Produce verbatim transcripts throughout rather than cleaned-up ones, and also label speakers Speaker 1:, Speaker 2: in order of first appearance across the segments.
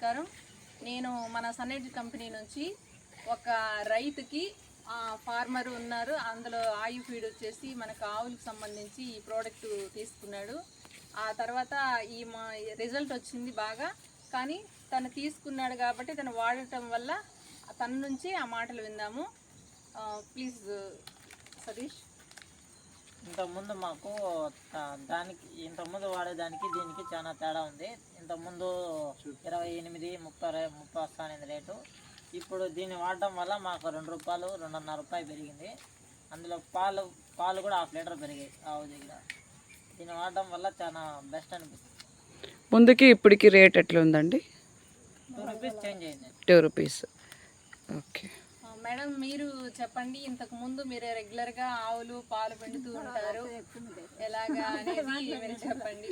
Speaker 1: నమస్కారం. నేను మన సన్ఎడ్జ్ కంపెనీ నుంచి ఒక రైతుకి ఫార్మర్ ఉన్నారు, అందులో ఆయు ఫీడ్ వచ్చేసి మనకు ఆవులకు సంబంధించి ఈ ప్రోడక్ట్ తీసుకున్నాడు. ఆ తర్వాత ఈ మా రిజల్ట్ వచ్చింది బాగా, కానీ తను తీసుకున్నాడు కాబట్టి తను వాడటం వల్ల తన నుంచి ఆ మాటలు విందాము. ప్లీజ్ సతీష్.
Speaker 2: ఇంతకుముందు మాకు దానికి ఇంతకుముందు వాడేదానికి దీనికి చాలా తేడా ఉంది. ఇంతకుముందు ఇరవై ఎనిమిది ముప్పై ముప్పై వస్తానేది రేటు. ఇప్పుడు దీన్ని వాడటం వల్ల మాకు రెండు రూపాయలు రెండున్నర రూపాయలు పెరిగింది. అందులో పాలు పాలు కూడా హాఫ్ లీటర్ పెరిగాయి ఆవు దగ్గర. దీన్ని వాడటం వల్ల చాలా బెస్ట్ అనిపిస్తుంది.
Speaker 3: ముందుకి ఇప్పటికి రేట్ ఎట్లా ఉందండి?
Speaker 2: టూ రూపీస్ చేంజ్ అయింది.
Speaker 3: టూ రూపీస్ ఓకే
Speaker 1: మేడం, మీరు చెప్పండి. ఇంతకు ముందు మీరు రెగ్యులర్ గా ఆవులు పాలు పిండుతూ ఉంటారు, ఎలాగా అనేది మీరు చెప్పండి.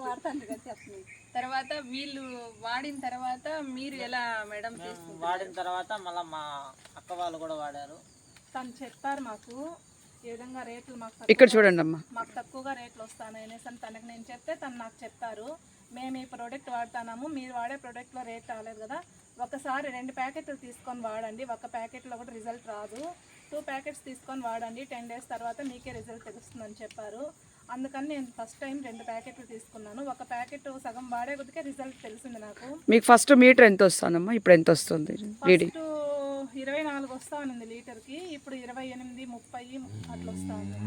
Speaker 1: తర్వాత వీళ్ళు వాడిన తర్వాత మీరు ఎలా మేడం తీసుకుంటారు?
Speaker 2: వాడిన తర్వాత మళ్ళీ మా అక్క వాళ్ళు కూడా వాడారు.
Speaker 4: తను చెప్పారు మాకు ఈ విధంగా రేట్లు మాకు
Speaker 3: ఇక్కడ చూడండి అమ్మా,
Speaker 4: మాకు తక్కువగా రేట్లు వస్తాయి అనేసి అని తనకు నేను చెప్తే తను నాకు చెప్పారు, మేము ఈ ప్రోడక్ట్ వాడుతున్నాము, మీరు వాడే ప్రోడక్ట్లో రేట్ రాలేదు కదా, ఒకసారి రెండు ప్యాకెట్లు తీసుకొని వాడండి, ఒక ప్యాకెట్లో కూడా రిజల్ట్ రాదు, టూ ప్యాకెట్స్ తీసుకొని వాడండి, టెన్ డేస్ తర్వాత మీకే రిజల్ట్ తెలుస్తుందని చెప్పారు. అందుకని నేను ఫస్ట్ టైం రెండు ప్యాకెట్లు తీసుకున్నాను. ఒక ప్యాకెట్ సగం వాడే కొద్దికే రిజల్ట్ తెలిసింది నాకు.
Speaker 3: మీకు ఫస్ట్ మీటర్ ఎంత వస్తుందమ్మా? ఇప్పుడు ఎంత వస్తుంది రీడింగ్?
Speaker 4: ఫస్ట్ ఇరవై నాలుగు వస్తా ఉంది లీటర్కి, ఇప్పుడు ఇరవై ఎనిమిది ముప్పై అట్లా వస్తా ఉంది.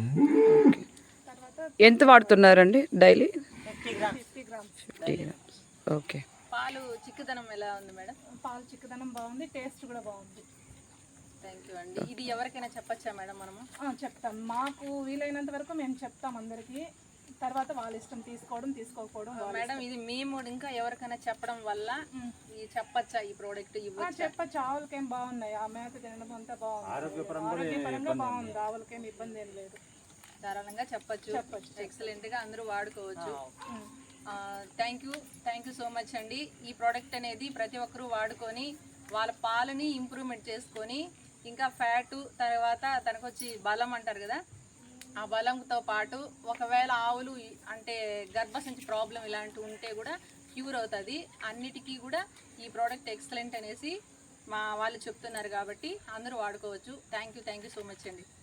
Speaker 4: తర్వాత
Speaker 3: ఎంత వాడుతున్నారండి daily?
Speaker 2: Fifty grams
Speaker 4: fifty grams
Speaker 3: fifty grams okay.
Speaker 1: పాలు చిక్కదనం ఎలా ఉంది మేడం?
Speaker 4: పాలు చిక్కదనం బాగుంది, టేస్ట్ కూడా బాగుంది.
Speaker 1: థ్యాంక్ యూ అండి. ఇది ఎవరికైనా చెప్పచ్చా మేడం మనము?
Speaker 4: చెప్తాం, మాకు వీలైనంత వరకు మేము చెప్తాం అందరికీ, తర్వాత వాళ్ళ ఇష్టం తీసుకోవడం తీసుకోకపోవడం.
Speaker 1: మేడం, ఇది మేము ఇంకా ఎవరికైనా చెప్పడం వల్ల ఈ చెప్పచ్చా ఈ ప్రోడక్ట్?
Speaker 4: చెప్పచ్చు, ఆవులకేం బాగున్నాయి, ఆ మేత తినడం అంతా బాగుంది, ఆరోగ్యపరంగా బాగుంది, ఆవులకేం ఇబ్బంది ఏం లేదు,
Speaker 1: ధారాళంగా చెప్పచ్చు. చెప్పచ్చు, ఎక్సలెంట్ గా అందరూ వాడుకోవచ్చు. Thank you thank you so much అండి. ఈ ప్రోడక్ట్ అనేది ప్రతి ఒక్కరూ వాడుకొని వాళ్ళ పాలని ఇంప్రూవ్మెంట్ చేసుకొని, ఇంకా ఫ్యాటు తర్వాత తనకు వచ్చి బలం అంటారు కదా, ఆ బలంతో పాటు ఒకవేళ ఆవులు అంటే గర్భసంచి ప్రాబ్లం ఇలాంటివి ఉంటే కూడా క్యూర్ అవుతుంది. అన్నిటికీ కూడా ఈ ప్రోడక్ట్ ఎక్సలెంట్ అనేసి మా వాళ్ళు చెప్తున్నారు కాబట్టి అందరూ వాడుకోవచ్చు. Thank you thank you so much అండి.